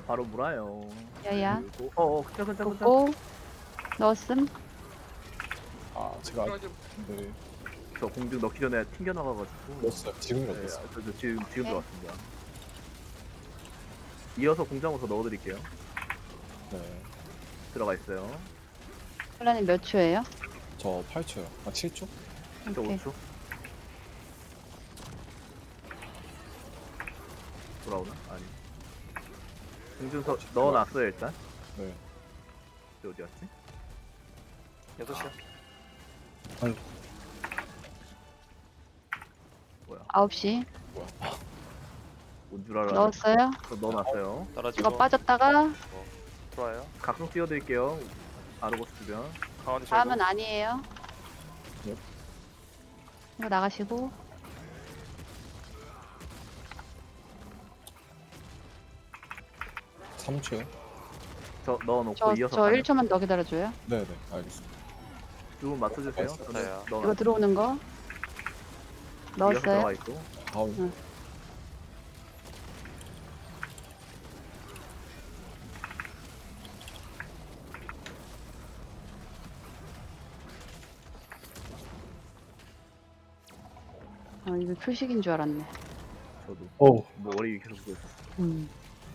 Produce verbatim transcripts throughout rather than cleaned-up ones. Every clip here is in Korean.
바로 물어요. 야야. 그리고 어어 그쵸 그쵸 그쵸. 고 넣었음. 아 제가 네 저 공중 넣기 전에 튕겨 나가가지고. 넣었어요. 지금 네, 넣었어요. 저, 저 지금 지금 네. 들어왔습니다. 이어서 공장부터 넣어드릴게요. 네. 들어가 있어요. 혼란이 몇 초예요? 저 팔 초요. 아 칠 초? 저 오케이. 오 초. 돌아오나? 아니. 공중서 넣어놨어요 일단. 네. 저 어디 갔지? 여섯 시요. 뭐야? 아홉 시. 뭐야? 뭔 줄 알아? 넣었어요. 저 넣어놨어요. 떨어지고. 이거 빠졌다가 들어와요. 각성 띄워드릴게요. 아르고스 주변. 가운데 다음은 절고. 아니에요. 네. 이거 나가시고. 삼 초요? 저 넣어놓고 저, 이어서 저 가는. 일 초만 더 기다려줘요. 네네 알겠습니다. 두 분 맞춰주세요. 맞췄어요. 저는 이거 이거 넣어놨. 들어오는 거. 이어서 들어가 넣었어요. 있고. 다음 응. 어, 이거 표식인 줄 알았네. 저도. 오, 머리 계속 보고 있었어. 음.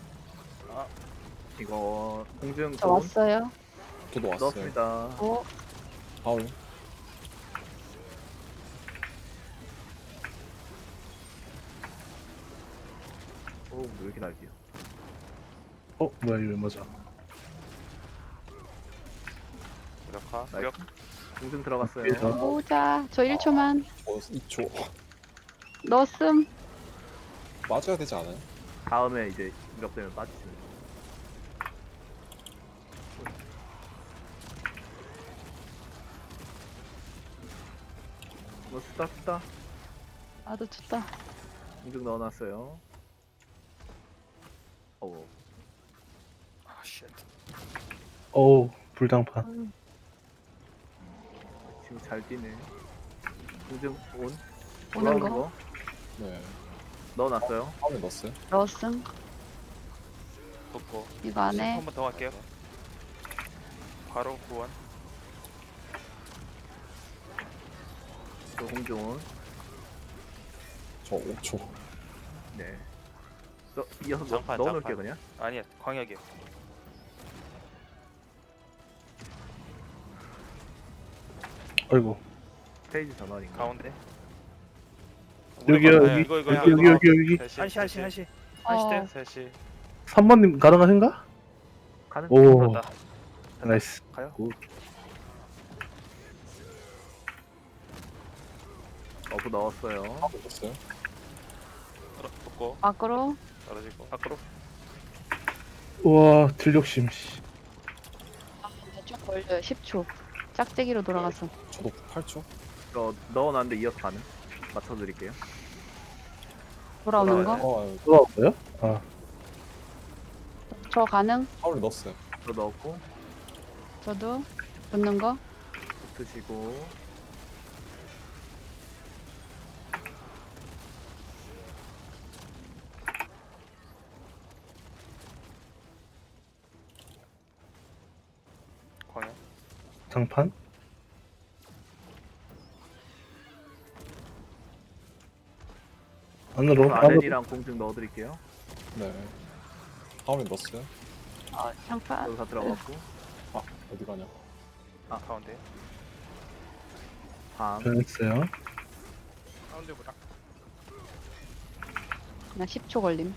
이거 공중 저 돈 왔어요. 저도 왔어요. 넣었습니다. 오, 다음 오, 왜 이렇게 날뛰어? 어, 뭐야, 이거 맞아. 무력화. 나이스. 무력. 공중 들어갔어요. 예, 저- 보자. 저 일 초만. 저 이 초 넣었음. 맞아야 되지 않아요? 다음에 이제 무력되면 빠지시면 돼요. 너 쓰다 쓰다. 나도 쳤다. 공중 넣어놨어요. 어우, 아 쉣. 어우, 불당판. 지금 잘 뛰네. 공중 온. 오는 돌아오는 거. 거 네. 넣어놨어요. 다음에 넣었어요. 넣었음. 붙고. 이거 안에. 한 번 더 갈게요. 바로 구원. 또 공중 온. 저 오 초. 네. 저 이어서 넣, 장판, 넣어놓을게요 장판. 그냥. 아니야 광역이요. 아이고. 페이지 전환인가? 가운데. 여기요, 무력화. 여기. 이거 이거 여기, 여기, 여기, 여기. 셋시 한시 한시 한시. 어, 한시 돼요. 셋시. 삼 번님 가능하신가? 가는. 오, 됐다. 나이스. 가요. 어부 넣었어요. 다음에 넣었어요. 떨어 붙고 밖으로. 떨어지고 밖으로. 우와, 들욕심, 씨. 좀 걸려요. 십 초. 짝대기로 돌아가서. 저도 팔 초. 저 넣어놨는데 이어서 가는. 맞춰드릴게요. 돌아오는 돌아와요. 거. 어 들어왔어요? 아, 저 가능. 다음에 넣었어요. 저 넣었고 저도. 붙는 거. 드시고. 광역. 장판? 안으로, 저 안으로. 아덴이랑 공중 넣어드릴게요. 네. 다음에 넣었어요. 어, 장판. 여기 다 들어갔고. 아 어디 가냐? 아 가운데. 밤. 변했어요. 가운데보다. 그냥 십 초 걸림.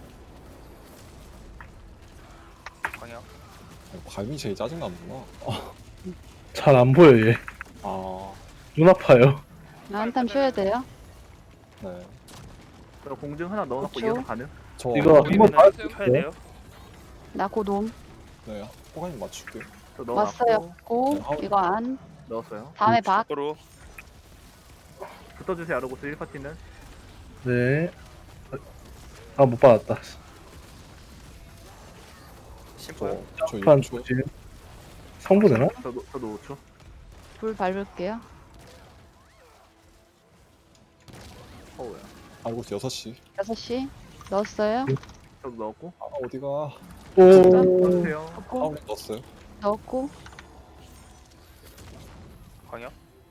광역. 아, 밤이 제일 짜증 나는구나. 아, 잘 안 보여, 얘. 아 눈 아파요. 나 한탐 쉬어야 돼요. 네. 저 공중 하나 넣어놓고 그쵸? 이어서 가는. 저 이거 한번 우리는 봐. 켜야 돼요. 나 곧 옴. 네. 호가님 맞출게요. 저 넣어놨고. 왔어요. 고. 네, 아웃. 이거 안. 넣었어요. 다음에 박. 밖으로. 붙어주세요 아르고스 일 파티는. 네. 아, 못 받았다. 심포요. 저저 판 육 초. 조심. 성부되나? 저도 저도 오 초. 불 밟을게요. 어우야. 알고 있어 여섯 시. 여섯 시. 넣었어요. 저도 넣었고. 아 어디가? 오. 넣으세요. 붙고 하울링 넣었어요. 넣었고 광역.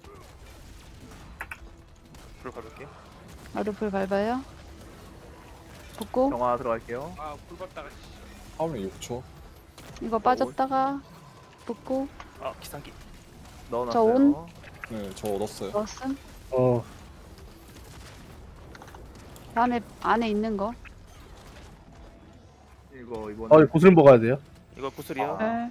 불 밟을게. 나도 불 밟아요. 붙고 정화 들어갈게요. 아불 밟다가. 하울링 육 초. 이거 빠졌다가 붙고 아 기상기. 넣어놨어요. 온. 네, 저 얻었어요. 넣었음. 어. 다음에 안에 있는 거. 이거 이번. 아, 이거 구슬 먹어야 돼요? 이거 구슬이요. 아. 네.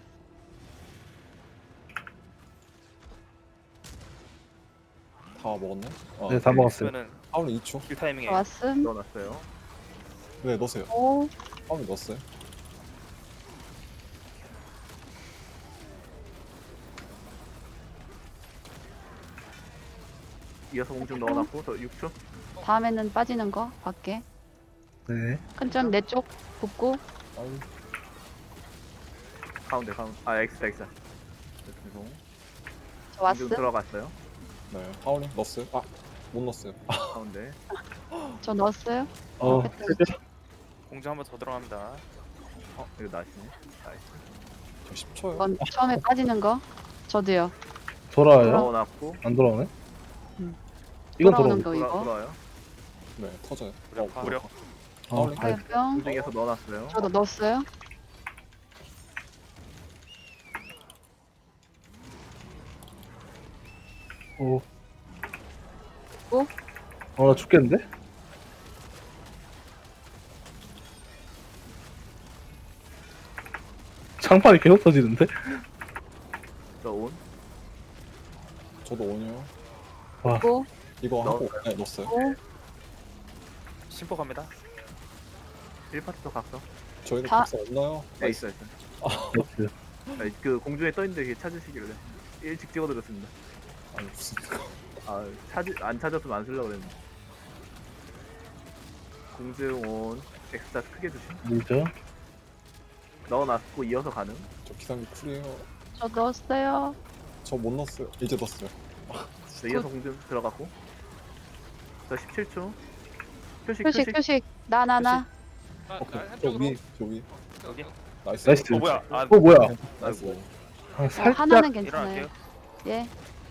다 먹었네. 아, 네, 다 먹었어요. 그러면은 하울링 이 초. 킬 타이밍에 왔음. 넣어놨어요. 네, 넣으세요. 오. 하울링 넣었어요. 이어서 공중 넣어놨고 저 육 초. 다음에는 빠지는 거 밖에. 네. 큰점 내 쪽 붙고 하울링. 가운데 가운데. 아 엑스 엑스. 죄송. 저 공중 왔음. 들어갔어요. 네, 하울링 넣었어요. 아, 못 넣었어요. 가운데. 저 넣었어요. 어, 됐다. 세죠? 공중 한번 더 들어갑니다. 어 이거 나시네. 나이스. 저 십 초요. 이건 처음에 빠지는 거. 저도요. 돌아와요? 넣어놨고 안 돌아오네? 음. 이건 돌아오는 돌아오네. 거 돌아 이거. 돌아요. 네, 터져요. 무력, 어, 무력. 어, 하울링. 아이, 화염병. 공중에서 넣어놨어요. 저도 넣었어요. 오. 오? 어, 나 죽겠는데? 장판이 계속 터지는데? 저 온. 저도 오니요. 붙고 이거 하고 넣었어요. 네, 넣었어요. 오. 심포 갑니다. 일 파트 각성. 저희는 다- 각성 없나요? 네 있어 있어. 그렇지. 아니, 그 공중에 떠있는데 그게 찾으시길래 일찍 찍어드렸습니다. 아니 무슨 아 찾, 안 찾았으면 안 쓰려고 그랬는데. 공중 온. 엑스타 크게 주심. 밀죠? 넣어놨고 이어서 가능. 저 기상기 쿨이에요. 저 넣었어요. 저 못 넣었어요. 이제 넣었어요. 네, 이어서 공중 들어갔고. 저 십칠 초. 표식 표식 표식. 표식. 나 나 나. 오케이. 저 위, 저 위. 여기. 나이스. 나이스. 어 뭐야? 아 어, 뭐야? 나이스. 아, 어, 살짝. 하나는 괜찮아요. 일어날게요. 예.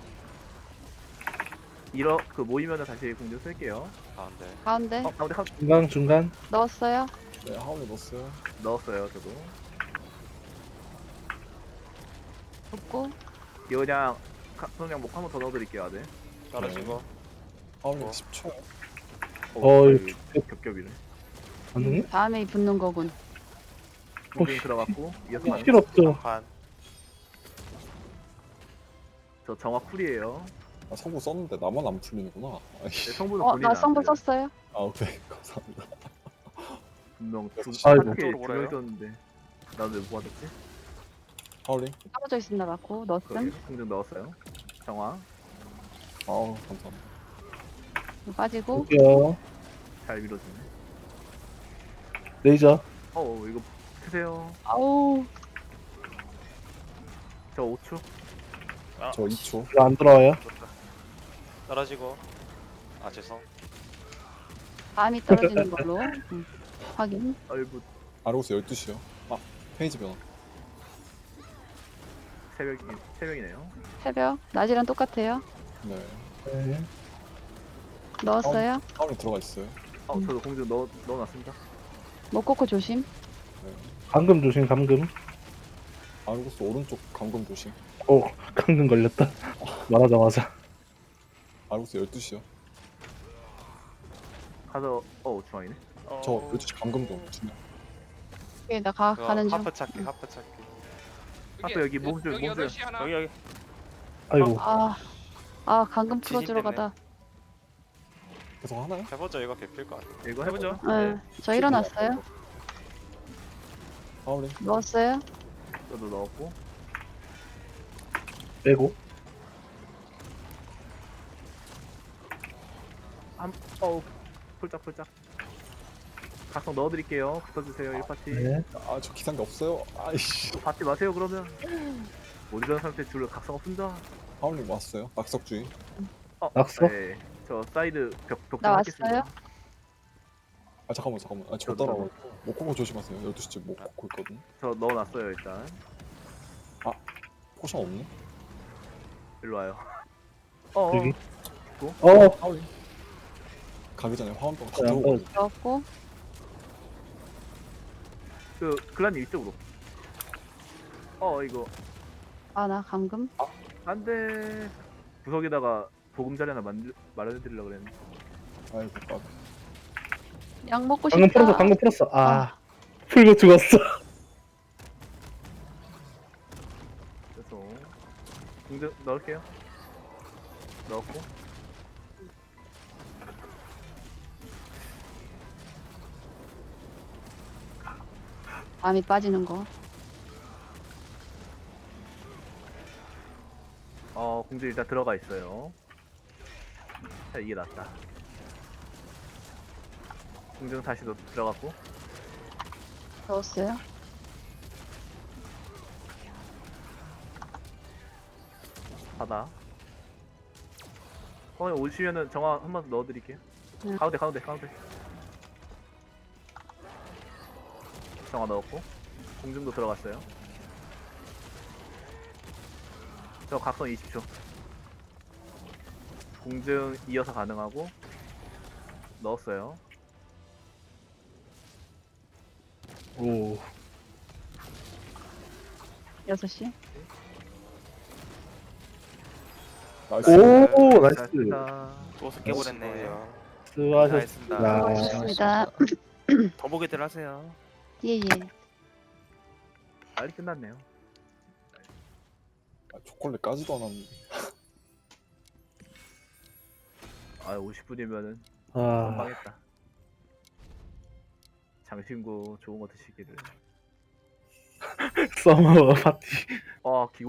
이러 그 모이면은 다시 공중 쓸게요. 가운데. 가운데 어 가운데 한 중간, 중간. 넣었어요. 네, 하울링 넣었어요. 넣었어요 저도. 붙고 이거 그냥 가- 그냥 목 한 번 더 넣어드릴게요 아들. 떨어지고. 하울링 어. 십 초. 어, 어, 거의 겹겹이네. 안 죽네? 다음에 붙는 거군. 공중 어, 들어갔고 이어서 이 가능. 필요 없죠. 반. 저 정화 쿨이에요. 아, 성부 썼는데 나만 안 풀리는구나. 아이, 네, 성분은 어, 본인이 나 안 성분 돼요. 썼어요. 아, 오케이. 감사합니다. 분명 두 아이고. 파트에 쪽으로 두명 몰아요? 있었는데 나도 왜못 받았지? 하울링. 떨어져 있습니다. 맞고 거기 넣었음. 공중 넣었어요. 정화 아우, 감사합니다. 빠지고 볼게요. 잘 밀어주네. 레이저. 어 이거 크세요. 아우 저 오 초. 아, 저 이 초. 이거 안 들어와요? 떨어지고. 아 죄송. 다음이 떨어지는 걸로 음, 확인. 아이고 아르고스 열두 시요. 아, 페이지 변화. 새벽이 새벽이네요. 새벽 낮이랑 똑같아요. 네. 네. 넣었어요. 하울링 들어가 있어요. 어 저도 공중 넣어 넣어놨습니다. 못 꽂고 조심. 네. 감금 조심, 감금. 아르고스 오른쪽 감금 조심. 오, 감금 걸렸다. 말하자마자. 아르고스 열두 시요. 가서 어 중앙이네. 어... 저 열두 시 감금 좀. 주면. 오케이 나 가, 그거 가는 중. 하프 찾기. 하프 찾기. 아까 여기 몸줄 몸줄. 여기 여기. 아이고. 아, 아 방금 지진 풀어주러 때문에. 가다. 계속 하나요? 해보죠. 이거 개필 것 같아. 이거 해보죠. 해보죠. 네, 저 일어났어요. 하울링. 넣었어요. 저도 넣었고. 빼고. 한 어우 폴짝폴짝. 각성 넣어드릴게요. 붙어주세요 일 파티. 네. 아, 저 기상기 없어요. 아이씨. 또 받지 마세요 그러면. 못 일어난 상태 줄을 각성 없습니다. 하울링 왔어요. 낙석주의. 어, 낙서? 네. 저 사이드 벽 벽. 나 왔어요. 아, 아 잠깐만 잠깐만. 아저 저도, 따라와. 모코코 조심하세요. 열두 시쯤 모코코 있거든. 저 넣어놨어요 일단. 포션 없네. 일로 와요. 어. 어. 여기. 어, 하울. 가기 전에 화원병 다 네, 들고 한번 가요. 넣었고 그 글라님 이쪽으로. 어 이거 아 나 감금 안돼. 구석에다가 보금자리 하나 만들 마련해드리려고 그랬는데. 아이고 빡. 약 먹고 싶다. 방금 풀었어, 방금 풀었어. 아, 풀고 죽었어. 그래서 공등 넣을게요. 넣었고. 밤이 빠지는 거. 어 공중 일단 들어가 있어요. 자 이게 낫다. 공중 다시 넣, 들어갔고. 넣었어요. 바다. 어 오시면은 정화 한 번 더 넣어드릴게요. 네. 가운데 가운데 가운데. 정화 넣었고. 공중도 들어갔어요. 저 각성 이십 초. 공중 이어서 가능하고. 넣었어요. 오, 여섯 시. 나이스. 오, 나이스. 잘했다. 또 섞여버렸네. 수고하셨습니다. 고맙습니다. 더 보게들 하세요. 예예. 빨리 끝났네요. 아, 초콜릿 까지도 않았는데. 아 오십 분이면은 아, 선방했다. 장신구 좋은 거 드시기를. 서머 파티. 아 기.